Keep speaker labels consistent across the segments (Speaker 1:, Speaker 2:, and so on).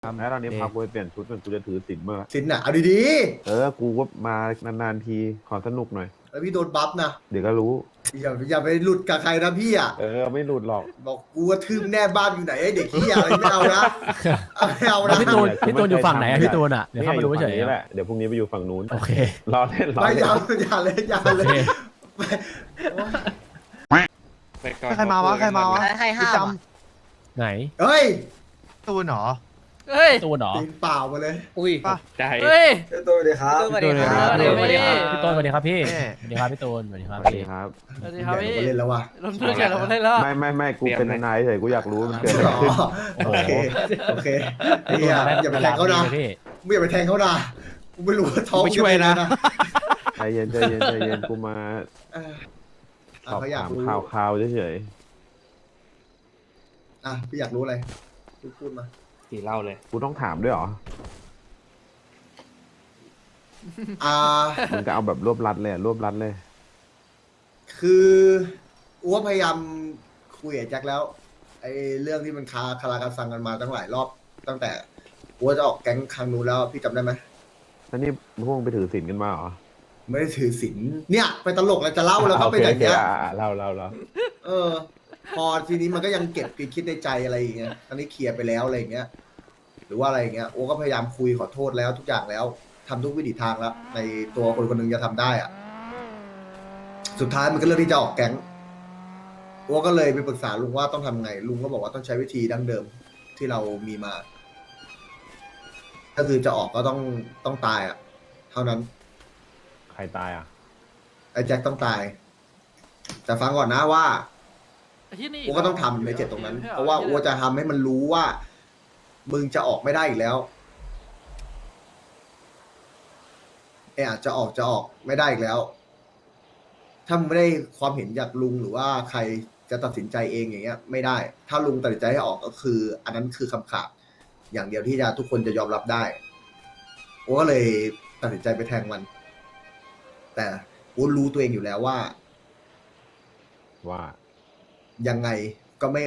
Speaker 1: แล้วตอนนี้พากูไปเปลี่ยนชุดมันกูจะถือศีลเมื่อ
Speaker 2: สินน่ะเอาดี
Speaker 1: กูก็มานานๆทีขอสนุกหน่อย
Speaker 2: ๆแล้วพี่โดนบัฟนะ
Speaker 1: เดี๋ยวก็รู้
Speaker 2: อย่าไปหลุดกับใครนะพี่อ่ะ
Speaker 1: ไม่หลุดหรอก
Speaker 2: บอกกูว่าทืมแน่บ้านอยู่ไหนไอ้เด็กขี้ยอะไรไม่เอานะไม่เอานะ
Speaker 3: พี่ตูนอยู่ฝั่งไหนอะพี่ตูนอะเดี๋ยวเข้ามาดูเฉย
Speaker 1: นี่แหละเดี๋ยวพรุ่งนี้ไปอยู่ฝั่งนู้น
Speaker 3: โอเค
Speaker 1: รอเล่นรอ
Speaker 2: ไม่
Speaker 1: เล่น
Speaker 2: อย่าเลย
Speaker 4: ใครมาวะ
Speaker 5: ให้ห้าม
Speaker 3: ไหน
Speaker 2: เฮ้ย
Speaker 4: ตูนเหรอ
Speaker 5: เฮ้ย
Speaker 3: ตูนเหรอ
Speaker 2: ตีนเปล่ามาเลย
Speaker 5: อุ้ย
Speaker 4: ใจ
Speaker 5: เฮ้ย
Speaker 2: ตัวเลยครับ
Speaker 5: สวัสดีครับ
Speaker 3: สวัสดีครับ
Speaker 5: สวัสดีครับ
Speaker 3: พี่ตูนสวัสดีครับพี่
Speaker 4: เอ๊ะ
Speaker 3: สวัสดีครับพี่ตูนสวัสดีครับ
Speaker 1: สวัส
Speaker 3: พี่
Speaker 1: ดีครับ
Speaker 5: สวัสดีครับพี่
Speaker 2: เล่นแล้ววะ
Speaker 5: ลงทุนแข่งเราเล่นแล้ว
Speaker 1: ไม่กูเป็นทนายเฉยกูอยากรู้มันเกิดอะไร
Speaker 2: อ๋อ
Speaker 1: ขึ้น
Speaker 2: โอเคไอ้เหี้ยอย่าไปแทงเขานะ
Speaker 3: พี่
Speaker 2: ไม่อย่าไปแทงเขานะกูไม่รู้ว่าท้อง
Speaker 4: ไม่ช่วยนะ
Speaker 1: ใจเย็นกูมา สอบ
Speaker 2: เขาอยาก
Speaker 1: ถาม
Speaker 2: รู้
Speaker 1: ข่าวเฉย
Speaker 2: พี่อยากรู้อะไรพูดมา
Speaker 4: ตีเล่าเลย
Speaker 1: ๆกูต้องถามด้วยเหรอ
Speaker 2: อ่า
Speaker 1: มึงก็เอาแบบรวบรัดเลยรวบรัดเลย
Speaker 2: คืออ้วพยายามคุยกับแจ็คแล้วไอ้เรื่องที่มันคาราคาซังกันมาตั้งหลายรอบ ตั้งแต่อ้วจะออกแก๊งครั้งนู้นแล้วพี่จำได้ไหม
Speaker 1: แล้วนี่พวกมึงไปถือศีลกันมาเหรอ
Speaker 2: ไม่ได้ถือศีลเนี่ยไปตลกแล้วจะเล่าแล้วก็ไปอย่างเงี้ย
Speaker 1: เล่า
Speaker 2: เออ พอทีนี้มันก็ยังเก็บคิดในใจอะไรอย่างเงี้ยตอนนี้เคลียร์ไปแล้วอะไรอย่างเงี้ย หรือว่าอะไรอย่างเงี้ยโอ้ก็พยายามคุยขอโทษแล้วทุกอย่างแล้วทำทุกวิถีทางแล้ว ในตัวคนคนหนึงจะทำได้อะสุดท้ายมันก็เลือกที่จะออกแก๊งโอ้ก็เลยไปปรึกษาลุงว่าต้องทำไงลุงก็บอกว่าต้องใช้วิธีดั้งเดิมที่เรามีมา ก็คือจะออกก็ต้องตายอ่ะ เท่านั้น
Speaker 1: ใครตายอ่ะ
Speaker 2: ไอ้แจ็คต้องตาย แต่ฟังก่อนนะว่า
Speaker 5: ที่นี่
Speaker 2: อัวก็ต้องทำในเจ็ดตรงนั้น เพราะว่าอัวจะทำให้มันรู้ว่า มึงจะออกไม่ได้อีกแล้วอาจจะออกไม่ได้อีกแล้ว ถ้ามึงไม่ได้ความเห็นจากลุงหรือว่าใครจะตัดสินใจเองอย่างเงี้ย ไม่ได้ ถ้าลุงตัดสินใจให้ออกก็คือ อันนั้นคือคำขาดอย่างเดียวที่จะทุกคนจะยอมรับได้อัวก็เลยตัดสินใจไปแทงมัน แต่อัวรู้ตัวเองอยู่แล้วว่า ยังไงก็ไม่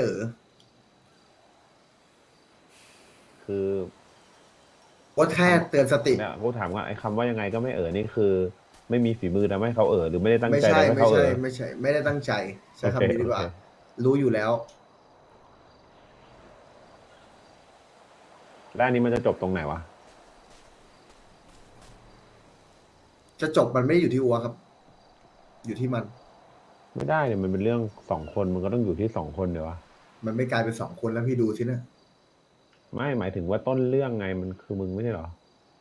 Speaker 1: คือ
Speaker 2: ว่าแค่เตือนสติ
Speaker 1: เนี่ยกูถามว่าไอ้คำว่ายังไงก็ไม่นี่คือ ไม่มีฝีมือทำให้เขาหรือไม่ได้ตั้ง
Speaker 2: ไม่
Speaker 1: ใจ
Speaker 2: ใช่
Speaker 1: ทำให้
Speaker 2: ไม่
Speaker 1: เขา
Speaker 2: ใช่ไม่ใช่ ไม่ได้ตั้งใจใช้คำนี้ดีกว่า
Speaker 1: โอเค
Speaker 2: รู้อยู่แล้ว
Speaker 1: แล้วอันนี้มันจะจบตรงไหนวะ
Speaker 2: จะจบมันไม่ได้อยู่ที่อัวครับ อยู่ที่มัน
Speaker 1: ไม่ได้เนี่ยมันเป็นเรื่อง2 คนมันก็ต้องอยู่ที่2 คนเดี๋ยววะ
Speaker 2: มันไม่กลายเป็น2 คนแล้วพี่ดูสินะ
Speaker 1: ไม่หมายถึงว่าต้นเรื่องไงมันคือมึงไม่ใช่เหรอ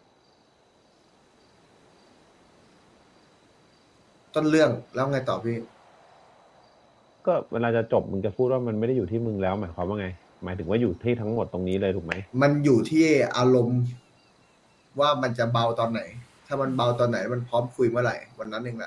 Speaker 2: ต้นเรื่องแล้วไงต่อพี่
Speaker 1: ก็เวลาจะจบมึงจะพูดว่ามันไม่ได้อยู่ที่มึงแล้วหมายความว่าไง หมายถึงว่าอยู่ที่ทั้งหมดตรงนี้เลยถูกไหม
Speaker 2: มันอยู่ที่อารมณ์ ว่ามันจะเบาตอนไหน ถ้ามันเบาตอนไหน มันพร้อมคุยเมื่อไหร่วันนั้นเองแหละ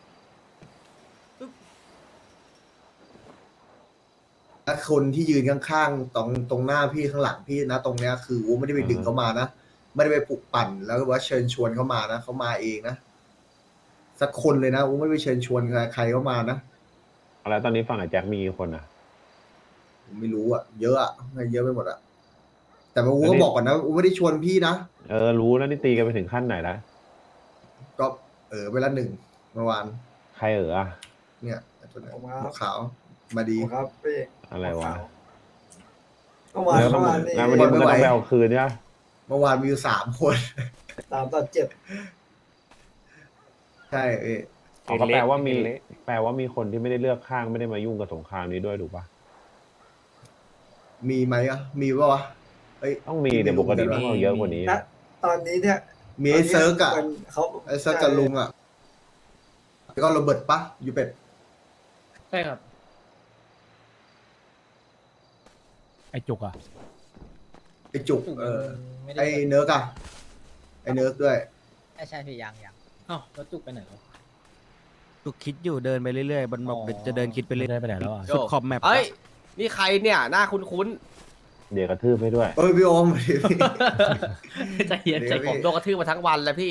Speaker 2: และคนที่ยืนข้างๆตรงหน้าพี่ข้างหลังพี่นะตรงเนี้ยคืออัวไม่ได้ไปดึงเขามานะไม่ได้ไปปลุกปั่นแล้วก็ว่าเชิญชวนเขามานะเขามาเองนะสักคนเลยนะอัวไม่ได้ไปเชิญชวนใครเขามานะ
Speaker 1: แล้วตอนนี้ฝั่งไอ้แจ็คมีกี่คนอ่ะ
Speaker 2: ผมไม่รู้อ่ะเยอะอ่ะเยอะไปหมดอ่ะแต่ว่าอูก็บอกก่อนนะอูไม่ได้ชวนพี่นะ
Speaker 1: รู้แล้วนี่ตีกันไปถึงขั้นไหนแล้ว
Speaker 2: ก็เวลา1เมื่อวาน
Speaker 1: ใครอ่ะ
Speaker 2: เนี่ยไอ้ตัวไหน
Speaker 6: ผมครับ
Speaker 2: หัวขาวมาดี
Speaker 6: ครับพี่
Speaker 1: อะไรวะ
Speaker 6: เมื่อวาน
Speaker 1: แล้วต้อง
Speaker 6: เมื่อวานนี่
Speaker 1: งานวันนี้มึงก็ต้องไปเอาคืนเนี่ย
Speaker 2: เมื่อวานมีอยู่3 คน
Speaker 6: 3-7
Speaker 2: ใช่
Speaker 1: ก็แปลว่ามีคนที่ไม่ได้เลือกข้างไม่ได้มายุ่งกับสงครามนี้ด้วยถูกปะ
Speaker 2: มีไหมอ่ะมีปะวะเอ้ย
Speaker 1: ต้องมีเดี๋ยวปกติต้องเอาเยอะกว่านี้
Speaker 6: ณตอนนี้เนี่ย
Speaker 2: มีไอ้เซิร์กอ่ะ
Speaker 6: เขา
Speaker 2: ไอ้เซิร์กกับลุงอ่ะแล้วก็โรเบิร์ตปะอยู่เป็ด
Speaker 5: ใช่ครับ
Speaker 3: ไอจุกอะ
Speaker 2: ไอ้จุก
Speaker 5: ไม่ได้
Speaker 2: ไอ้เนิร์กอ่ะไอ้เนิร์กด้วย
Speaker 5: ใช่พี่ยังอ้าวแล้วจุกไปไหนแล้ว
Speaker 7: จุกคิดอยู่เดินไปเรื่อยๆมันบอก
Speaker 5: อ๋อ
Speaker 7: เดี๋ยวจะเดินคิดไปเรื่อย
Speaker 3: ได้ไปไหนแล้วอะ
Speaker 7: สุดขอบแมป
Speaker 8: เอ้ย นี่ใครเนี่ย หน้าคุ้น
Speaker 1: เดี๋ยวกระทืบให้ด้วย
Speaker 2: พี่โอม
Speaker 5: ใจเย็นใจ
Speaker 2: เดี๋ยว
Speaker 8: ๆ ผมโดนกระทืบมาทั้งวันแล้วพี่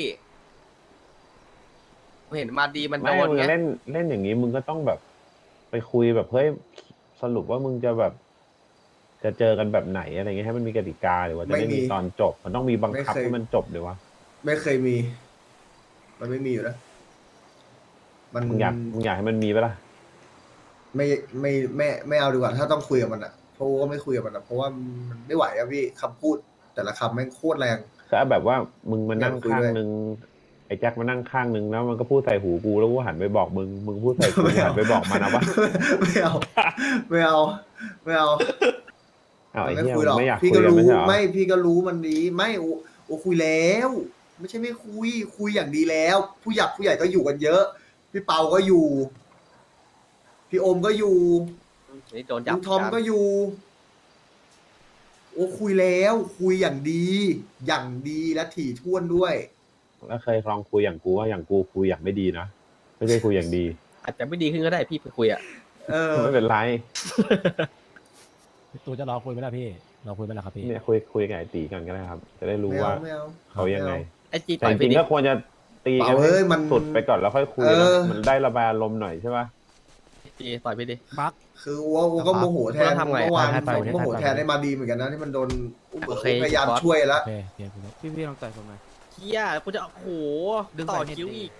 Speaker 8: เห็นมาดีมันโด
Speaker 1: ไม่
Speaker 8: น
Speaker 1: มึง
Speaker 8: ไง
Speaker 1: เล่นอย่างนี้มึงก็ต้องแบบ ไปคุยแบบเฮ้ยสรุปว่ามึงจะแบบ จจะเจอกันแบบไหนอะไรเงี้ยให้มันมีกติกาหรือว่าจะไม่มีตอนจบ มันต้องมีบังคับให้มันจบเลยวะ
Speaker 2: ไม่เคยมี มันไม่มีอยู่แล้วมัน
Speaker 1: มึงอยากให้มันมีปะล่ะ
Speaker 2: ไม่เอาดีกว่าถ้าต้องคุยกับมันอ่ะเพราะก็ไม่คุยกับมันอ่ะเพราะว่ามันไม่ไหวอะพี่คำพูด แต่ละคำแม่งโคตรแรง
Speaker 1: คือแบบว่ามึงมานั่ง
Speaker 2: อยากคุย
Speaker 1: ข้าง
Speaker 2: ด้วย
Speaker 1: นึงไอ้แจ็คมานั่งข้างนึงแล้วมันก็พูดใส่หูกูแล้วกูหันไปบอกมึงพูดใส่กูหันไปบอกมันนะวะ
Speaker 2: ไม่เอาไม่เอาไม่เอา
Speaker 1: อ้าวไอ้
Speaker 2: ไม่
Speaker 1: เหี้ย
Speaker 2: คุยหรอก
Speaker 1: ไม่อยากคุ
Speaker 2: พี่
Speaker 1: ย
Speaker 2: ก็
Speaker 1: กัน
Speaker 2: รู้
Speaker 1: ไม่ใช่เหรอ
Speaker 2: ไม่พี่ก็รู้มันดีไม่โอคุยแล้ว ไม่ใช่ไม่คุยอย่างดีแล้ว ผู้ใหญ่ก็อยู่กันเยอะ พี่เปาก็อยู่ พี่โอมก็อยู่
Speaker 8: นี่โดนจับ
Speaker 2: ลุงทอมก็อยู่ โอ้คุยแล้วคุยอย่างดีและถี่ถ้วนด้วย
Speaker 1: แล้วเคยลองคุยอย่างกูว่าอย่างกูคุยอย่างไม่ดีนะไม่ใช่คุยอย่างดี
Speaker 8: อาจจะไม่ดีขึ้นก็ได้พี่ไปคุยอ่ะ
Speaker 2: เออ
Speaker 1: ไม่เป็นไร
Speaker 3: ตัวจะรอคุยไหมล่ะพี่รอคุยไหมล่ะครับพี่
Speaker 1: เนี่ยคุยกับไอ้ตีกันก็ได้ครับ จะได้รู้
Speaker 2: ไม่
Speaker 1: ว่า
Speaker 2: เอาไม่เอา
Speaker 1: เขายังไง
Speaker 8: ไอ้จี
Speaker 1: แต่
Speaker 8: ต่อ
Speaker 1: จ
Speaker 8: ยไป
Speaker 1: ริง
Speaker 8: ดิ
Speaker 1: ๆก็ควรจะตีกัน
Speaker 2: เปล่าเอ้ยมัน
Speaker 1: สุดไปก่อนแล้วค่อยคุย
Speaker 2: เอ
Speaker 1: นะ
Speaker 2: อ
Speaker 1: มันได้ระบายอารมณ์หน่อยใช่ปะ
Speaker 8: จีต่อยไปดิ
Speaker 7: บัก
Speaker 2: คือว่าก็โมโหแทน
Speaker 8: แล้วทำไง
Speaker 2: เมื่อวาน
Speaker 3: ให้ไป
Speaker 2: โมโหแทนได้มาดีเหมือนกันนะที่มันโดนอุ้ม
Speaker 8: โอเค
Speaker 2: พยายาม
Speaker 8: บอส
Speaker 2: ช่วยแล้ว
Speaker 3: โอเคเดี๋ยวคุณ
Speaker 7: พี่ลองต่อยผมหน่อย
Speaker 8: เฮียกูจะโอ้โห
Speaker 7: ดึง
Speaker 8: ต่อ
Speaker 7: สายเน็ต
Speaker 8: คิ้ว
Speaker 7: ดิ
Speaker 8: อีก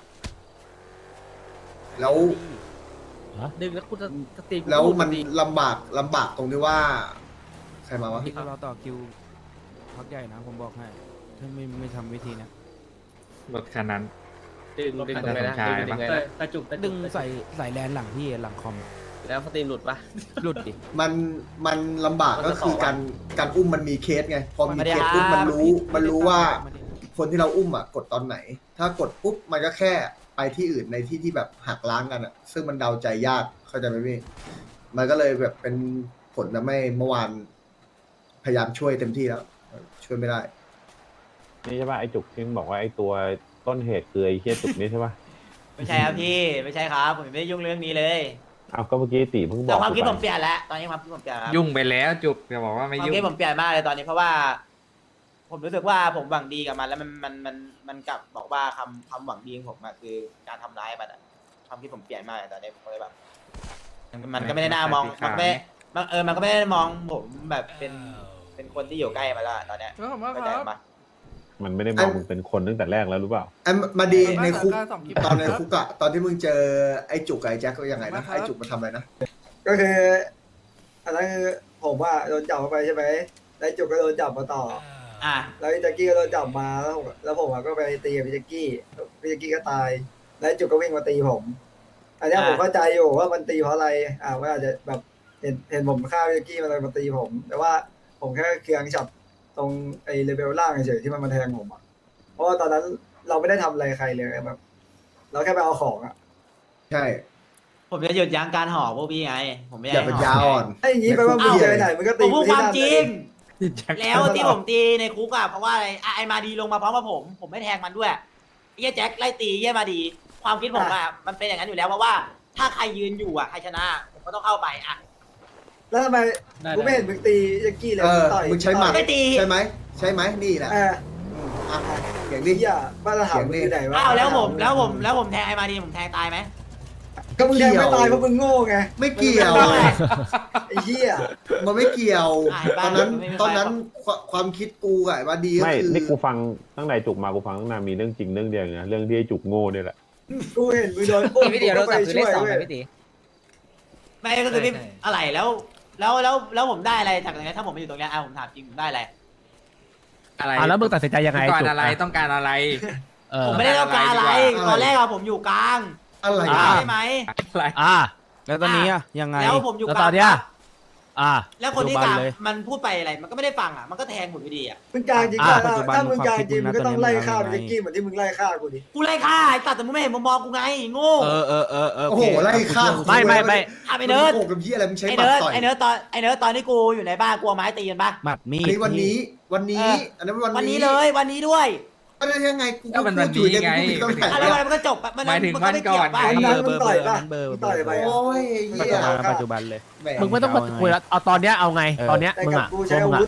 Speaker 2: แล้ว
Speaker 8: ดึงแล้วกูจะตี
Speaker 2: แล้วมันลำบากตรงที่ว่าใครมาวะ
Speaker 7: พี่ก็รอต่อคิวพักใหญ่นะผมบอกให้ถ้าไม่ทำวิธีนะ
Speaker 4: รถคันนั้น
Speaker 8: ดึงตรงไหนนะ
Speaker 4: ใช่
Speaker 8: ดึงยังไง
Speaker 5: แต่
Speaker 8: นะ
Speaker 5: ตะจุกตะจุ
Speaker 7: ดึ
Speaker 5: ก
Speaker 7: งใส่แลนหลังพี่หลังคอม
Speaker 8: แล้วสตรีมหลุดปะ
Speaker 7: หลุดดิ
Speaker 2: มันลำบาก
Speaker 8: มัน
Speaker 2: ก็
Speaker 8: จะ
Speaker 2: คือ
Speaker 8: ต่อวะ
Speaker 2: การอุ้มมันมีเคสไง พอมีเคสปุ๊บมันรู้ว่า คนที่เราอุ้มอ่ะกดตอนไหน ถ้ากดปุ๊บมันก็แค่ไปที่อื่นในที่ที่แบบหักล้างกันอ่ะ ซึ่งมันเดาใจยากเข้าใจไหมพี่ มันก็เลยแบบเป็นผลทำให้เมื่อวานพยายามช่วยเต็มที่แล้ว ช่วยไม่ได้
Speaker 1: นี่ใช่ปะไอ้จุกที่มึงบอกว่าไอ้ตัวต้นเหตุคือไอ้เฮียจุกนี่ใช่ปะ
Speaker 9: ไม่ใช่ครับพี่ไม่ใช่ครับผมไม่ได้ยุ่งเรื่องนี้เลย
Speaker 1: อ้าวก็เมื่อกี้ตีเพิ่งบ
Speaker 9: แต่
Speaker 1: อก
Speaker 9: ความคิด
Speaker 1: กู
Speaker 9: ผ
Speaker 1: ไป
Speaker 9: มเปลี่ยนแล้วตอนนี้ความคิดผมเปลี่ยนครับ
Speaker 4: ยุ่งไปแล้วจุกจะบอกว่าไม่
Speaker 9: ความ
Speaker 4: ยุ่ง
Speaker 9: คิดผมเปลี่ยนมากเลยตอนนี้เพราะว่า ผมรู้สึกว่าผมหวังดีกับมันแล้วมันกลับบอกว่าคำหวังดีของผมอะคือการทำร้ายมันอะความคิดผมเปลี่ยนมากเลยตอนนี้ผมเลยแบบมันก็ไม่ได้น่ามองมันก็ไม่มันก็ไม่ได้มองผมแบบเป็นคนที่อยู่ใกล้มันแล้วอะตอนเนี้ยเข้าใจปะ
Speaker 1: มันไม่ได้มองมึงเป็นคนตั้งแต่แรกแล้วรู้เปล่า
Speaker 2: ไอ้มาดีในคุกตอนในคุกอะตอนที่มึงเจอไอ้จุกกับไอ้แจ็คก็ยังไงนะ ไอ้จุกมันทำอะไรนะ
Speaker 6: ก็คืออันนั้นคือผมว่าโดนจับมาไปใช่ไหมแล้วจุกก็โดนจับมาต่อ
Speaker 9: อ่ะ
Speaker 6: แล้วพี่แจ็กกี้ก็โดนจับมาแล้วผมก็ไปตีกับพี่แจ็กกี้ก็ตาย แล้วจุกก็วิ่งมาตีผม อันเนี้ยผมเข้าใจอยู่ว่ามันตีเพราะอะไรว่าอาจจะแบบเห็นผมฆ่าพี่แจ็กกี้มันเลยมาตีผม แต่ว่าผมแค่เคืองฉับตรงไอ้เลเวลล่างเฉยๆที่มันมาแทงผมอ่ะเพราะว่าตอนนั้นเราไม่ได้ทำอะไรใครเลยแบบ เราแค่ไปเอาของอ่ะ
Speaker 2: ใช่
Speaker 9: ผมจะหยุดยั้งการห่อพวกพี่ไง ผมไม่
Speaker 2: อย่าเป็นยา
Speaker 9: ห่
Speaker 2: อ่อน
Speaker 6: ไอ้อย่างงี้แปลว่ามึงเจอไหนมึงก็
Speaker 9: ผ
Speaker 6: ตี
Speaker 9: มพูดความจริง
Speaker 6: ที่นั่น
Speaker 9: แล้วที่ผมตีในคุกอะเพราะว่าอะไรอ่ะไอมาดีลงมาพร้อมกับผมไม่แทงมันด้วยไอ้เหี้ยแจ็คไล่ตีไอ้เหี้ยมาดี ความคิดผมอะมันเป็นอย่างนั้นอยู่แล้วเพราะว่าถ้าใครยืนอยู่อะใครชนะ ผมก็ต้องเข้าไปอะ
Speaker 6: แล้วทำไมกูไม่เห็นมึงตีแจ็กกี้เลย
Speaker 2: เออ
Speaker 6: ต่อย
Speaker 2: มึงใช้หมัด
Speaker 9: ไม่ตี
Speaker 2: ใช่ไหมใช่ไหมนี่แหละ
Speaker 6: เออ
Speaker 2: อ่ะอย่าง
Speaker 6: นี่
Speaker 2: นี้
Speaker 6: อ่ะมาตรฐานมึงอยู่ไหนวะ
Speaker 9: อ้าวแล้วผมแทงไอมาดีผมแทงตายไหม
Speaker 6: ก็มึงแทงไม่ตายเพราะมึงโง่ไง
Speaker 2: ไม่เกี่ยว
Speaker 9: ไม่ได้
Speaker 6: ไอ้เหี้ย
Speaker 2: มันไม่เกี่ยว
Speaker 9: อ่ะ
Speaker 2: ตอนนั้น
Speaker 9: ไม่มีใคร
Speaker 2: ตอนนั้นความคิดกูกับไอ้มาดีก็
Speaker 1: ไม่
Speaker 2: คือ
Speaker 1: นี่กูฟังตั้งแต่จุกมากูฟังตั้งนานมีเรื่องจริงเรื่องเดียวเองนะเรื่องที่ไอ้จุกโง่เนี่ยแหละ
Speaker 6: กูเห็นมึงโดนปุ๊บ
Speaker 5: พี่เดียวเราสับคือเลขสอง
Speaker 6: ว้
Speaker 5: นะ
Speaker 6: ย
Speaker 5: พี่ตี
Speaker 9: ไม่ก็คือพี่
Speaker 5: ใช่
Speaker 9: อะไรแล้วผมได้อะไรจากตรงนี้ถ้าผมไม่อยู่ตรงเนี้ยผมถามจริงผมได้อะไร
Speaker 4: อะไร
Speaker 3: อ่ะแล้วมึงตัดสินใจยังไง
Speaker 4: ต้องการ
Speaker 3: จุก
Speaker 4: อะไรต้องการอะไร
Speaker 3: เออ
Speaker 9: ผมไม่ได้ต้องการอะไร
Speaker 2: อะไร
Speaker 9: ตอนแรกอะผมอยู่กลาง
Speaker 2: อะไร
Speaker 9: ใช่ไหม
Speaker 4: อะไร
Speaker 3: อ่ะ
Speaker 7: แล้วตอนนี้อะยังไง
Speaker 9: แล้วผมอยู่
Speaker 3: แล้ว
Speaker 9: ก
Speaker 3: ต
Speaker 9: ลา
Speaker 3: อง นเนี้ยอ่ะ
Speaker 9: แล้วคนที่
Speaker 7: ปัจ
Speaker 9: ก
Speaker 7: จุ
Speaker 9: ลาง
Speaker 7: บัเลย
Speaker 9: มันพูดไปอะไรมันก็ไม่ได้ฟังอะมันก็แทงหมดอยู่ดีอะ
Speaker 6: มึงกลางจริง
Speaker 3: อ่ะ
Speaker 6: ก็
Speaker 7: ปัจจุบัน
Speaker 6: ถ้ามึงกลางจริง
Speaker 7: ความคิดมึง
Speaker 6: มึงก็ต้อง
Speaker 7: นะ
Speaker 6: ไล่ฆ่า
Speaker 7: ตอนนี้
Speaker 6: แจ็กกี้เหมือนที่มึงไล่ฆ่ากูดิ
Speaker 9: กูไล่ฆ่าไอ้ตัดแต่มึงไม่เห็นมุมมองกูไงโง่
Speaker 7: เออ
Speaker 2: โอ้โหไล่ฆ่า
Speaker 3: ไม่
Speaker 9: ทำไอ้เนิร์ด
Speaker 2: โอ้โหกับพี่อะไรมึงใช้
Speaker 9: ไอ้
Speaker 2: หมัด
Speaker 9: เนิร์ด
Speaker 2: ต่อย
Speaker 9: ไอ้เนิร์ดตอนที่กูอยู่ในบ้านกูเอาไม้ตีกันปะ
Speaker 7: หมัดมี
Speaker 2: อัน
Speaker 7: ด
Speaker 2: นี้วันนี้อันนั้น
Speaker 9: วั
Speaker 2: วัน น
Speaker 9: นี้
Speaker 2: นี้
Speaker 9: เลยวันนี้ด้วย
Speaker 2: อะไรยังไงกู
Speaker 4: ก็มัน
Speaker 2: พูดอยู่
Speaker 4: วันนี้
Speaker 2: เนี่ยกู
Speaker 4: ไง
Speaker 2: ผิดตรงไหน
Speaker 9: อะไร
Speaker 2: เนี่ย
Speaker 9: มันก็จบปะ
Speaker 4: หมายถึง
Speaker 9: ก็ไม่
Speaker 4: วันก่อน
Speaker 9: เกี่ยวปะ
Speaker 6: วันนั้นมึงต่อยปะ
Speaker 7: เบอร์
Speaker 6: มึงต่อยไป
Speaker 2: โอ้
Speaker 6: อ่ะ
Speaker 2: ยไอ้เหี้ย
Speaker 7: ปัจจุบันเลย
Speaker 2: แห
Speaker 3: มึงไม่ต้องมาคุยแล้วเอาตอนเนี้ยเอาไง ตอนเนี้ย
Speaker 6: แต่
Speaker 3: มึง
Speaker 6: กับ
Speaker 3: อ่ะ
Speaker 6: กู
Speaker 3: ตั
Speaker 6: ใช้
Speaker 3: ว
Speaker 6: อา
Speaker 3: มึง
Speaker 6: วุ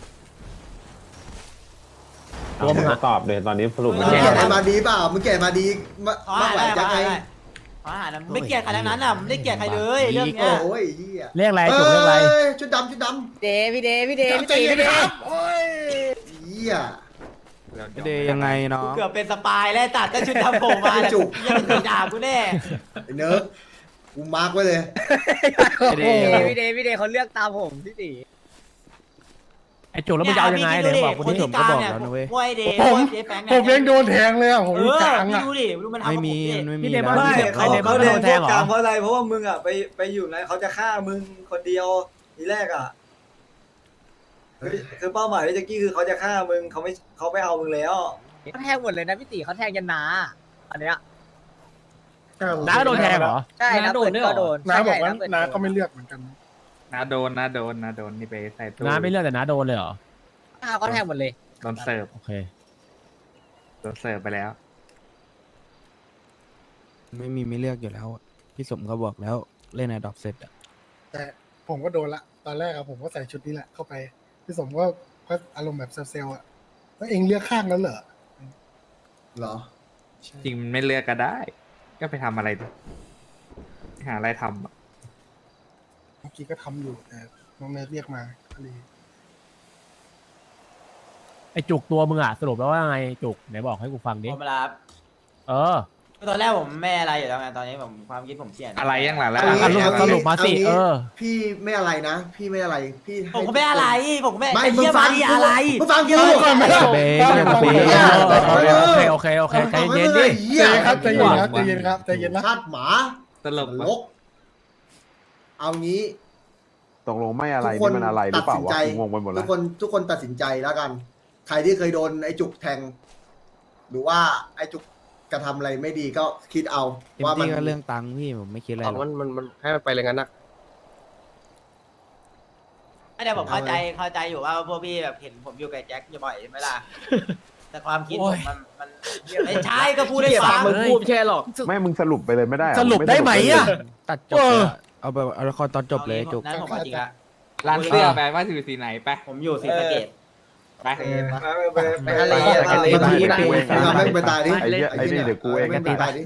Speaker 3: อ่ะ
Speaker 6: ธ
Speaker 1: เอามึงมาตอบเลยตอนนี้สรุป
Speaker 2: มึ
Speaker 1: มั
Speaker 2: ง
Speaker 1: น
Speaker 2: แก่
Speaker 1: แค่
Speaker 2: มาดีเปล่ามึงแก่มาดีมาไหวจังไง
Speaker 9: ขออาหารนะไม่เกลียดใครทั้งนั้นอ่ะไม่ได้เกลียดใครเลยเรื่องเนี้ย
Speaker 2: โอ้ยเหี้ย
Speaker 3: เรียกอะไรจุกเรียกอะไร
Speaker 2: ชุดดำชุดดำ
Speaker 8: เดพี่เดพี่เดพี่
Speaker 2: ใจ
Speaker 8: ตี
Speaker 2: เย็น
Speaker 8: พี่เด
Speaker 2: ครับโอ้ยเหี้ย
Speaker 7: เดย์ยังไงน้อง
Speaker 9: เกือบเป็นสปายแล้วตัดแต่ชุดทำผมมาเนี่ยยังด่ากูแน่
Speaker 2: ไอ้เนิร์กกูมาร์กไว้เลย
Speaker 7: เดย์ยังไง
Speaker 8: พี่เดเขาเลือกตามผมพี่ตี
Speaker 3: ไอ้จุกแล้วมึงจะเอายังไงเดี๋ยวบอกคน
Speaker 9: คน
Speaker 3: นี้
Speaker 9: ที่กลางเนี่ยพวกไอเดย์พวกเจ๊แฟงเนี่ย
Speaker 10: ผมยังโดนแทงเลยอ่ะผมอยู่กลาง
Speaker 9: พี่
Speaker 10: อ่ะ
Speaker 9: ดูดิดูมันทำ
Speaker 7: ไม่
Speaker 9: กับผ
Speaker 7: มี
Speaker 9: ดิ
Speaker 7: มันไม่มี
Speaker 3: พี่เดมอน
Speaker 7: แล้ว
Speaker 3: พี่
Speaker 6: เขา
Speaker 3: ไอ้เดมอน
Speaker 6: เขา
Speaker 3: โด
Speaker 6: เดิน
Speaker 3: นแท
Speaker 6: พว
Speaker 3: ง
Speaker 6: ก
Speaker 3: เหร
Speaker 6: กลา
Speaker 3: อง
Speaker 6: เพราะอะไรเพราะว่ามึงอ่ะไปอยู่ไหนเขาจะฆ่ามึงคนเดียวทีแรกอ่ะคือเป้าหมายพี่แจ็คกี้คือเขาจะฆ่ามึงเขาไม่เอามึงแล้ว
Speaker 8: เขาแทงหมดเลยนะพี่ตีเขาแทงยันนาอันเนี้ย
Speaker 3: น้าก็โดนแทงเหรอ
Speaker 8: ใช่นะโดนก็โดน
Speaker 10: น้าบอกว่า
Speaker 8: ใช่
Speaker 10: น้าก็ไม่เลือกเหมือนกัน
Speaker 4: นาโดนนี่ไปใส่ตู้
Speaker 3: น้าไม่เลือกแต่น้าโดนเลยเหรอ
Speaker 8: เขาแทงหมดเลย
Speaker 4: โดนเสิร์ฟ
Speaker 3: โอเค
Speaker 4: โดนเสิร์ฟไปแล้ว
Speaker 7: ไม่เลือกอยู่แล้วอะพี่สมเขาบอกแล้วเล่นไอดอกเสร็จอะ
Speaker 10: แต่ผมก็โดนละตอนแรกอะผมก็ใส่ชุดนี้แหละเข้าไปพี่สมก็อารมณ์แบบเซลล์อะแล้วเองเลือกข้างนั้นเหรอ
Speaker 2: เหรอ
Speaker 10: ใช่
Speaker 4: จริงมันไม่เลือกก็ได้ ก็ไปทำอะไรดิหาอะไรทำอะ
Speaker 10: เมื่อกี้ก็ทำอยู่แต่น้องเนทเรียกมาก็เลย
Speaker 3: ไอ้จุกตัวมึงอ่ะสรุปแล้วว่าไงจุกไหนบอกให้กูฟังดิ
Speaker 9: ผมมารับ
Speaker 3: เออ
Speaker 9: ตอนแรกผมไม่อะไรอยู่แล้วไงตอนนี้ผมความคิดผมเปลี่ยน
Speaker 4: อะไรยังหล่ะแล้ว
Speaker 2: เอางี้
Speaker 3: สรุปมาสิ
Speaker 2: เอางี้
Speaker 3: เออ
Speaker 2: พี่ไม่อะไรนะ พี่ไม่อะไรพี่ให้
Speaker 9: ผมก็ไม่อะไรผมก็ไม่
Speaker 2: ไม่
Speaker 9: ไอ้
Speaker 2: มึง
Speaker 9: เหี้ย
Speaker 2: ฟั
Speaker 9: มาง ดิอะไร
Speaker 2: มึงฟังกู
Speaker 10: ก่อนไหมล่ะ
Speaker 7: เบย์
Speaker 10: ฟัง
Speaker 7: ยัง
Speaker 10: ฟัง
Speaker 7: เบย์
Speaker 3: โอเคโอเคใจเย็นดิ
Speaker 2: เหี้ย
Speaker 10: ใจเย็นครับใจเย็นครับใจเย็นครับใจเย็นนะ
Speaker 2: ชาติหมา
Speaker 4: ตลก
Speaker 2: นรกเอางี้
Speaker 1: ตกลงไม่อะไร
Speaker 2: ทุกคน
Speaker 1: นี่มันอะไรหรือเปล่าวะ
Speaker 2: ตัดสินใจ
Speaker 1: กูงงไปหมด
Speaker 2: ทุ
Speaker 1: แล้ว
Speaker 2: กคนตัดสินใจแล้วกัน ใครที่เคยโดนไอ้จุกแทง หรือว่าไอ้จุกกระทำอะไรไม่ดีก็คิดเอา
Speaker 7: เต็ม
Speaker 2: ว่ามัน
Speaker 7: ที่ก็เรื่องตังค์พี่ผมไม่คิดอะไรหรอก
Speaker 8: มันให้มันไปเลยงั้นนะ
Speaker 9: ไม่ได้ผมเข้าใจอยู่ว่าพวกพี่แบบเห็นผมอยู่กับแจ็คบ่อยใช่ไหมล่ะแต่ความคิดผมมันไม่ใช่ก็พูดได้ฟัง
Speaker 8: มึงพูดไม่ใช่หรอก
Speaker 1: ไม่มึงสรุปไปเลยไม่ได้เหอ
Speaker 3: สรุปได้ไหมอ่ะ
Speaker 7: ตัดจบเลยอะเอาแบบเอาละครตอนจบเลยจุก
Speaker 9: นั้นผมเอาจริงละ
Speaker 4: ร้านเสื้อไปว่าอยู่สีไหนไป
Speaker 9: ผมอยู่ศรีสะเกษ
Speaker 4: ไป
Speaker 8: ไปทะเลอะทะเล
Speaker 2: มัน
Speaker 8: ที่
Speaker 2: ที
Speaker 8: ไหน
Speaker 2: ไม่ทำให้มึงไปตายดิ
Speaker 1: ไอ้เหี้ยไอ้นี่เดี๋ยวกูเอง
Speaker 2: ไม่ไปตายดิ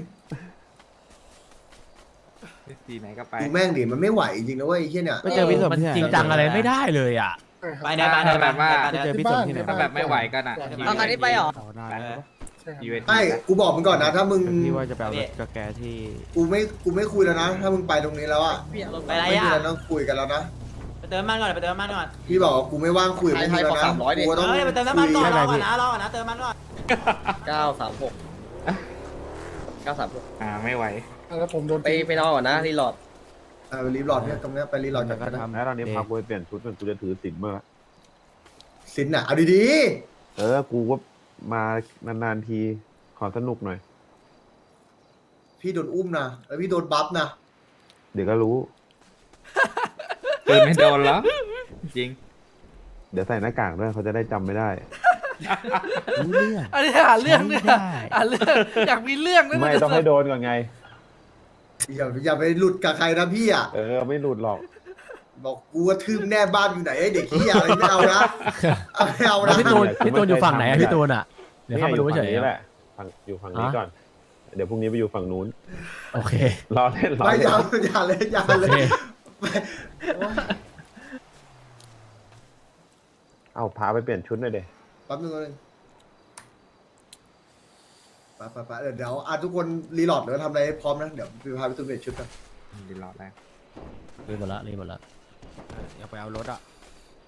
Speaker 4: สีไหนก็ไป
Speaker 2: ดูแม่งดิมันไม่ไหวจริงๆนะเว้ยไอ้เหี้ยเนี่ย
Speaker 7: ไปเจอพี่สม
Speaker 3: มัน
Speaker 7: ที่ไหน
Speaker 3: จริงจังอะไรไม่ได้เลยอ่ะ
Speaker 9: ไปนะไปนะไป
Speaker 7: ไปเจอพี่สมที่ไหน
Speaker 4: ถ้าแบบไม่ไหวก็น่ะ
Speaker 8: เอาคันนี้ไปเหรอ
Speaker 7: นานแล้ว
Speaker 10: ใช่ครับ
Speaker 4: ยูเอส
Speaker 2: ไอ้กูบอกมึงก่อนนะ ถ้ามึง
Speaker 7: พี่ว่าจะไปเอารถกับแกที่
Speaker 2: กูไม่คุยแล้วนะ ถ้ามึงไปตรงนี้แล้วอะ
Speaker 9: ไปอะไร
Speaker 2: ไม่มี
Speaker 9: อ่ะ
Speaker 2: อะไรต้องคุยกันแล้วนะ
Speaker 9: ไปเติมน้ำมันก่อนไปเติมน้ำมันก่อน
Speaker 2: พี่บอกว่ากูไม่ว่างคุยกับพวกมึงแล้วนะกูต้อง
Speaker 9: ไปเติมน้ำมันก่อนรอก่อนนะเติมน้ำมันก่อน
Speaker 4: ไม่ไหว
Speaker 10: แล้วผมโดน
Speaker 8: ไปนอนก่อนนะรีโหลด
Speaker 2: ไปรีบหลอดเนี่ยตรงเนี้ยไปรีบหลอด
Speaker 7: แล้
Speaker 2: กั
Speaker 7: วน ก็ทำ
Speaker 1: แล้วตอนนี้พากูไปเปลี่ยนชุดเป็นกูจะถือศีลเมื่อ
Speaker 2: สินน่ะเอาดี
Speaker 1: กูก็มานานๆทีขอสนุกหน่อย
Speaker 2: ๆพี่โดนอุ้มนะแล้วพี่โดนบัฟนะ
Speaker 1: เดี๋ยวก็รู้
Speaker 4: ปืนไม่โดนแล้วจริง
Speaker 1: เดี๋ยวใส่หน้ากากด้วยเขาจะได้จำไม่ได้
Speaker 7: รู้เรื่อง
Speaker 5: อันนี้หาเรื่องเนี่ย
Speaker 7: ใช้ได้
Speaker 5: หาเรื่องอยากมีเรื่องด้วย
Speaker 1: ไม่ต้องให้โดนก่อนไง
Speaker 2: อย่าไปหลุดกับใครนะพี่อ่ะ
Speaker 1: ไม่หลุดหรอก
Speaker 2: บอกกูว่าทืมแน่บ้านอยู่ไหนไอ้เด็กขี้ยอะไรไม่เอานะไม่เอา
Speaker 3: แล้ว
Speaker 2: นะ
Speaker 3: พี่ตูนอยู่ฝั่งไหนอะพี่ตูนอ่ะเดี๋ยวเข้ามาดูเฉย
Speaker 1: นี่
Speaker 3: ๆ
Speaker 1: แห
Speaker 3: อะ
Speaker 1: ละอยู่ฝั่งนี้ก่อน เดี๋ยวพรุ่งนี้ไปอยู่ฝั่งนู้น
Speaker 3: โอเค
Speaker 1: รอเล่น
Speaker 2: ไม่อย่าเลยอย่า
Speaker 3: โอ
Speaker 2: เลย
Speaker 3: เค
Speaker 1: เอาพาไปเปลี่ยนชุดหน่อยเด
Speaker 2: แป๊บนึงไปเดี๋ยวทุกคนรีโหลดหรือทำอะไรให้พร้อมนะเดี๋ยวพี่พาไปตุ้มเปลี่ยนชุดกัน
Speaker 4: ดีรอดแล้ว
Speaker 3: รีบหมดละ
Speaker 7: อยากไปเอารถอ่ะ